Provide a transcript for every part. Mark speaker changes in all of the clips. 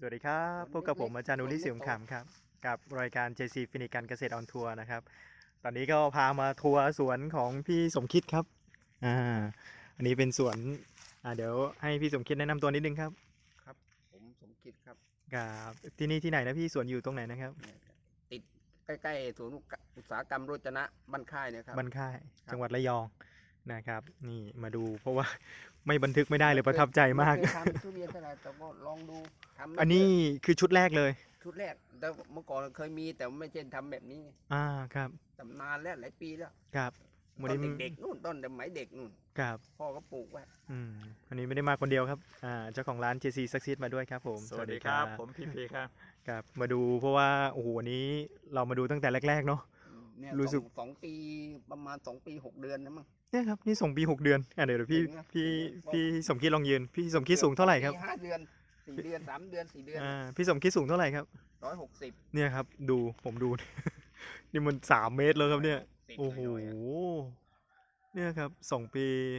Speaker 1: สวัสดีครับพบกับผมอาจารย์นุริศรีสงขลามครับกับรายการ JC ฟินิกันเกษตรออนทัวร์นะครับตอนนี้ก็พามาทัวร์สวนของพี่สมคิดครับอ่าอันนี้เป็นสวนเดี๋ยวให้พี่สมคิดแนะนำตัวนิดนึงครับ
Speaker 2: ครับผมสมคิดครับ
Speaker 1: กับที่นี่ที่ไหนนะพี่สวนอยู่ตรงไหนนะครับ
Speaker 2: ติดใกล้ๆศูนย์อุตสาหกรรมโรจนะบ้านค่ายนะครับ
Speaker 1: บ้านค่ายจังหวัดระยองนะครับนี่มาดูเพราะว่าไม่บันทึกไม่ได้เลยประทับใจมาก
Speaker 2: ไเคยทำทุเรียนเท่าไหร่แต่ก็ลองดูทำไม่
Speaker 1: อันนี้คือชุดแรกเลย
Speaker 2: ชุดแรกแต่เมื่อก่อนเคยมีแต่ไม่ใช่ทำแบบนี้
Speaker 1: ครับ
Speaker 2: ทำนานแล้วหลายปีแล้ว
Speaker 1: ครับ
Speaker 2: ตอนเด็กๆนู่นต้นสมัยเด็กนู่น
Speaker 1: ครับ
Speaker 2: พ่อก็ปลูกไว้
Speaker 1: อันนี้ไม่ได้มาคนเดียวครับเจ้าของร้าน JC Succeed มาด้วยครับผม
Speaker 3: สวัสดีครับผมพีครับ
Speaker 1: ครับมาดูเพราะว่าโอ้โหวันนี้เรามาดูตั้งแต่แรกๆเนาะ
Speaker 2: เนี่ย
Speaker 1: รู้สึก
Speaker 2: 2 ปีประมาณ2 ปี 6 เดือนนะมั้ง
Speaker 1: เนี่ยครับนี่ส่งปี6 เดือนเดี๋ยวพี่สมคิดลองยืนพี่สมคิดสูงเท่าไหร่ครับ
Speaker 2: 5 เดือน4 เดือน3 เดือน4 เดือน
Speaker 1: พี่สมคิดสูงเท่าไหร่ครับ
Speaker 2: 160
Speaker 1: เนี่ยครับดูผมดู นี่มัน3 เมตรแล้วครับเนี่ยโอ้โหเนี่ยครับ2 ปี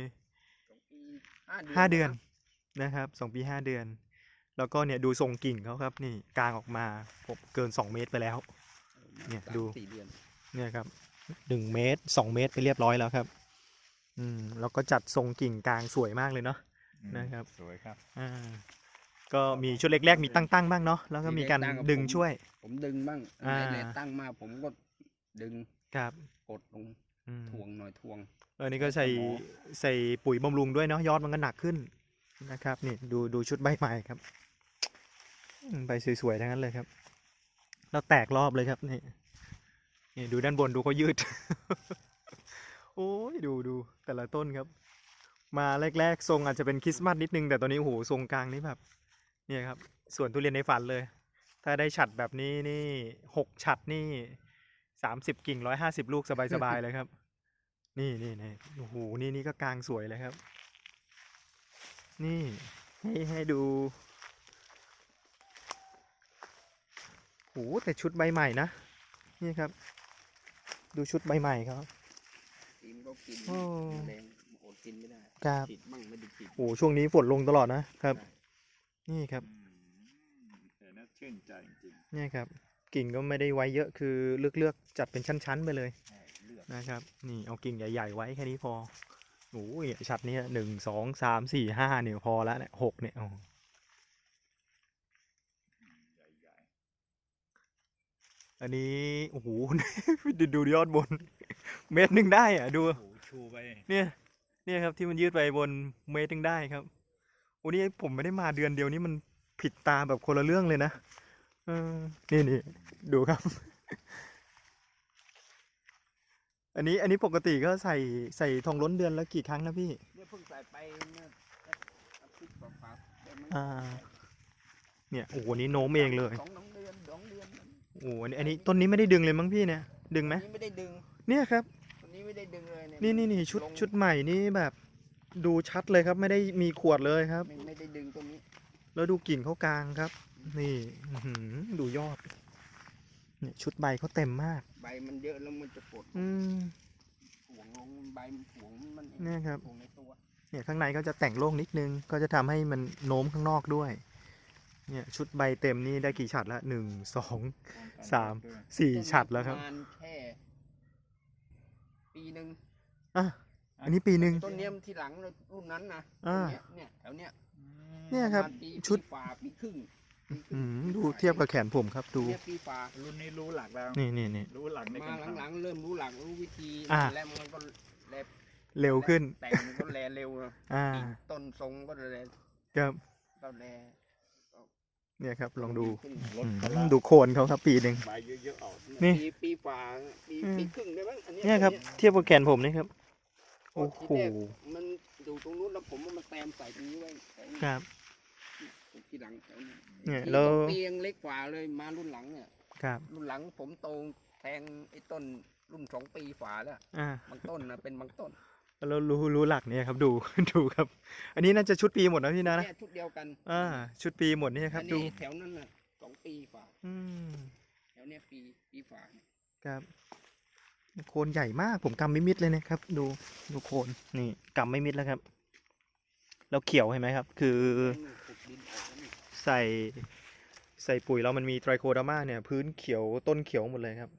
Speaker 1: 5 เดือนนะครับ2 ปี 5 เดือนแล้วก็เนี่ยดูทรงกิ่งเขาครับนี่กลางออกมาผมเกิน2 เมตรไปแล้วเนี่ยดูเนี่ยครับ1 เมตร 2 เมตรไปเรียบร้อยแล้วครับแล้วก็จัดทรงกิ่งกลางสวยมากเลยเนาะนะครับ
Speaker 3: สวยครับ
Speaker 1: ก็มีชุดเล็กๆมีตั้งบ้างเนาะแล้วก็มีการดึงช่วย
Speaker 2: ผมดึงบ้างในตั้งมาผมก็ดึง
Speaker 1: ครับ
Speaker 2: กดลงทวงหน่อยทวง
Speaker 1: นี่ก็ใส่ปุ๋ยบำรุงด้วยเนาะยอดมันก็หนักขึ้นนะครับนี่ดูชุดใบใหม่ครับใบสวยๆทั้งนั้นเลยครับแล้วแตกรอบเลยครับนี่ดูด้านบนดูเขายืด โอ้ยดูแต่ละต้นครับมาแรกๆทรงอาจจะเป็นคริสต์มาสนิดนึงแต่ตอนนี้โอ้โหทรงกลางนี่แบบเนี่ยครับสวนทุเรียนในฝันเลยถ้าได้ฉัดแบบนี้นี่6 ฉัดนี่30 กิ่ง150 ลูกสบายๆเลยครับนี่โอ้โหนี่ก็กลางสวยเลยครับนี่ให้ดูโอ้แต่ชุดใบใหม่นะนี่ครับดูชุดใบใหม่ครับ
Speaker 2: กินก็กินแรงอดกินไม่ได้
Speaker 1: ครับ
Speaker 2: ติดมั่งไม่ได้ติด
Speaker 1: โอ้ช่วงนี้ฝนลงตลอดนะครับนี่ครับ
Speaker 3: เห็นแล้วชื่นใจจริง
Speaker 1: นี่ครับกิ่งก็ไม่ได้ไว้เยอะคือเลือกจัดเป็นชั้นๆไปเลยนะครับนี่เอากิ่งใหญ่ๆไว้แค่นี้พอโอ้ยชัดนี้1 2 3 4 5เนี่ยพอแล้วเนี่ย6เนี่ยอันนี้โอ้โห ดูยอดบน 1 เมตรได้อะดู
Speaker 3: ชูไป
Speaker 1: เนี่ยครับที่มันยืดไปบน1 เมตรได้ครับโอ้นี่ผมไม่ได้มาเดือนเดียวนี้มันผิดตาแบบคนละเรื่องเลยนะนี่ดูครับ อันนี้ปกติก็ใส่ทองล้นเดือนแล้วกี่ครั้งนะพี่
Speaker 2: เนี่ยเพิ่งใส่ไปเมื่ออาทิตย์กว่า
Speaker 1: เนี่ยโอ้โหนี้โน้มเองเลย
Speaker 2: 2 เดือน
Speaker 1: โอ้อันนี้ต้นนี้ไม่ได้ดึงเลยมั้งพี่เนี่ยดึงไหม
Speaker 2: ไม่ได้ดึง
Speaker 1: เนี่ยครับ
Speaker 2: ต้นนี้ไม่ได้ดึงเลย
Speaker 1: นี่ชุดใหม่นี่แบบดูชัดเลยครับไม่ได้มีขวดเลยครับ
Speaker 2: ไม่ได้ดึงตรงนี้
Speaker 1: แล้วดูกิ่งเขากลางครับนี่ดูยอดเนี่ยชุดใบเขาเต็มมาก
Speaker 2: ใบมันเยอะแล้วมันจะปวดห่วงลงใบห่วงมัน
Speaker 1: เนี่ยครับ
Speaker 2: ห่วงในตัว
Speaker 1: เนี่ยข้างในก็จะแต่งโล่งนิดนึงก็จะทำให้มันโน้มข้างนอกด้วยเนี่ยชุดใบเต็มนี่ได้กี่ฉัดละ1 2 3 4 ฉัดแล้วครับ
Speaker 2: แค่ปีนึง
Speaker 1: อันนี้ปีนึง
Speaker 2: ต้นเนี้ยที่หลังรุ่นนั้นนะเนี่ยแถวเนี้ย
Speaker 1: เนี่ยครับชุด
Speaker 2: ฝ่าปีครึ่ง
Speaker 1: ดูเทียบกับแขนผมครับดู
Speaker 2: ปีฝ่า
Speaker 3: รุ่นนี้รู้หลักแล้ว
Speaker 1: นี่
Speaker 3: รู้หลักใน
Speaker 2: การหลังเริ่มรู้หลักรู้วิธีแล้วมันก็
Speaker 1: เร็วขึ้น
Speaker 2: แต่งก็แลเร็วต้นทรงก็แล
Speaker 1: ครับ
Speaker 2: ก็แล
Speaker 1: เนี่ยครับลองดูโคนเขาครับปีนึง
Speaker 3: ใบเยอะๆออก
Speaker 2: นี่ปีฝ่าปีครึ่งได้บ้างอันนี้
Speaker 1: เนี่ยครับเทียบกับแขนผมนี่ครับโอ้โห
Speaker 2: มันอยู่ตรงนู้นแล้วผมมันแตมใส่ตรงนี้ไว้
Speaker 1: ครับ
Speaker 2: ที่หลัง
Speaker 1: เนี่ยแล้ว
Speaker 2: ปียังเล็กกว่าเลยมารุ่นหลังเนี่ย
Speaker 1: ครับ
Speaker 2: รุ่นหลังผมโตแทงไอ้ต้นรุ่น2 ปีฝ่าแล้วบางต้นนะเป็นบางต้น
Speaker 1: แล้วรู้หลักเนี่ยครับดูครับอันนี้น่าจะชุดปีหมดนะพี่นะ
Speaker 2: ชุดเดียวกัน
Speaker 1: ชุดปีหมดนี่ครับดู
Speaker 2: แถวนั้นน่ะ2 ปีฝ่าแถวเนี้ยปีฝ่า
Speaker 1: ครับโคนใหญ่มากผมกำไม่มิดเลยนะครับดูโคนนี่กำไม่มิดแล้วครับแล้วเขียวเห็นไหมครับคือใส่ใส่ปุ๋ยแล้วมันมีไตรโคเดอร์มาเนี่ยพื้นเขียวต้นเขียวหมดเลยครับ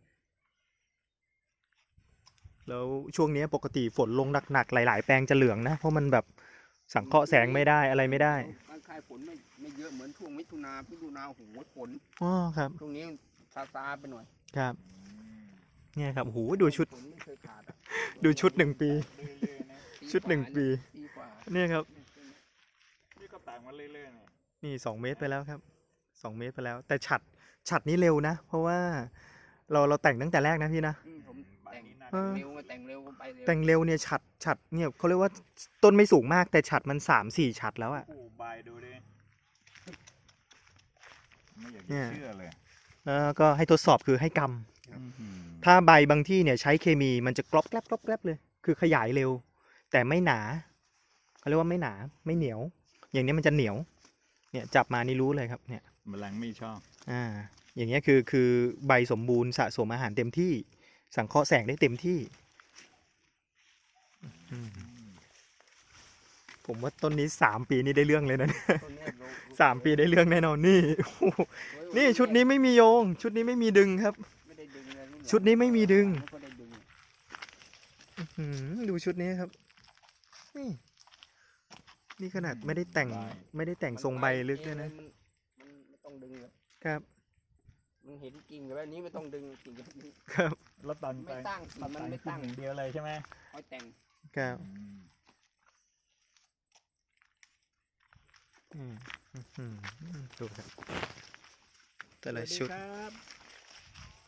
Speaker 1: แล้วช่วงนี้ปกติฝนลงหนักๆหลายๆแปลงจะเหลืองนะ เพราะมันแบบสังเคราะห์แสงไม่ได้อะไรไม่ได้
Speaker 2: การคายฝนไม่เยอะเหมือนช่วงมิถุนาโอ้โหฝน
Speaker 1: อ๋อครับ
Speaker 2: ช่วงนี้ซาไปหน่อย
Speaker 1: ครับ เนี่ยครับโอ้โหดูชุด
Speaker 2: ฝนไม่เคยขาดอะ
Speaker 1: ดูชุด1 ปี
Speaker 3: เรื่อยๆนะ
Speaker 1: ชุด1 ปี
Speaker 2: ปีกว่า
Speaker 1: เนี่ยครับ
Speaker 3: นี่ก็ต่างมาเรื่อยๆเนี่ย
Speaker 1: นี่2 เมตรไปแล้วครับ2 เมตรไปแล้ว แต่ฉัดนี้เร็วนะ เพราะว่าเราแต่งตั้งแต่แรกนะพี่นะ
Speaker 2: ผม
Speaker 3: ใบ
Speaker 2: แต่ง
Speaker 3: นี้น่า
Speaker 1: เอ
Speaker 3: จะ
Speaker 1: อ
Speaker 2: เร็วไงแต่งเร็วก็ไปเร็ว
Speaker 1: แต่งเร็วเนี่ยฉัดเนี่ยเขาเรียกว่าต้นไม่สูงมากแต่ฉัดมัน3-4 ฉัดแล้วอะ
Speaker 3: โอ้ใบดูดิไม่อยาก
Speaker 1: เนี่
Speaker 3: จะ
Speaker 1: ย
Speaker 3: เชื่อเลย
Speaker 1: แล้วก็ให้ทดสอบคือให้กำ
Speaker 3: อื้อหือ
Speaker 1: ถ้าใบบางที่เนี่ยใช้เคมีมันจะกรอบแกรบกรอบแกรบเลย คือขยายเร็ว แต่ไม่หนาเขาเรียกว่าไม่หนาไม่เหนียว อย่างนี้มันจะเหนียว เนี่ยจับมานี่รู้เลยครับเนี่ย
Speaker 3: แมลงไม่ชอบ
Speaker 1: อย่างเงี้ยคือใบสมบูรณ์สะสมอาหารเต็มที่ สังเคราะห์แสงได้เต็มที่อืมผมว่าต้นนี้3 ปีนี่ได้เรื่องเลยนะ
Speaker 2: ต้นเนี้ยโล
Speaker 1: 3 ปีได้เรื่องแน่นอนนี่โอ้โหนี่ชุดนี้ไม่มีโยง ชุดนี้ไม่มีดึงครับ
Speaker 2: ไม่ได้ดึงเลย
Speaker 1: ชุดนี้ไม่มีดึง
Speaker 2: ไม่ค่อยได้ดึง
Speaker 1: ดูชุดนี้ครับ นี่ขนาดไม่ได้แต่งทรงใบลึกด้วยนะ
Speaker 2: มันไม่ต้องดึงเลย
Speaker 1: ครับ
Speaker 2: มันเห็นกิ่งแบบนี้ไม่ต้องดึงกิ่งแบบนี้
Speaker 1: ครับ
Speaker 3: แล้วตอน
Speaker 2: ไม่ตั้งกิ่งมันไม่ตั้ง
Speaker 3: อย่างเดียวเลยใช่ไหม
Speaker 2: คอยแต่ง
Speaker 1: ครับ
Speaker 3: อืม
Speaker 1: ดูครับแต่ละ
Speaker 3: สวัสดี
Speaker 1: ชุด
Speaker 3: ครับ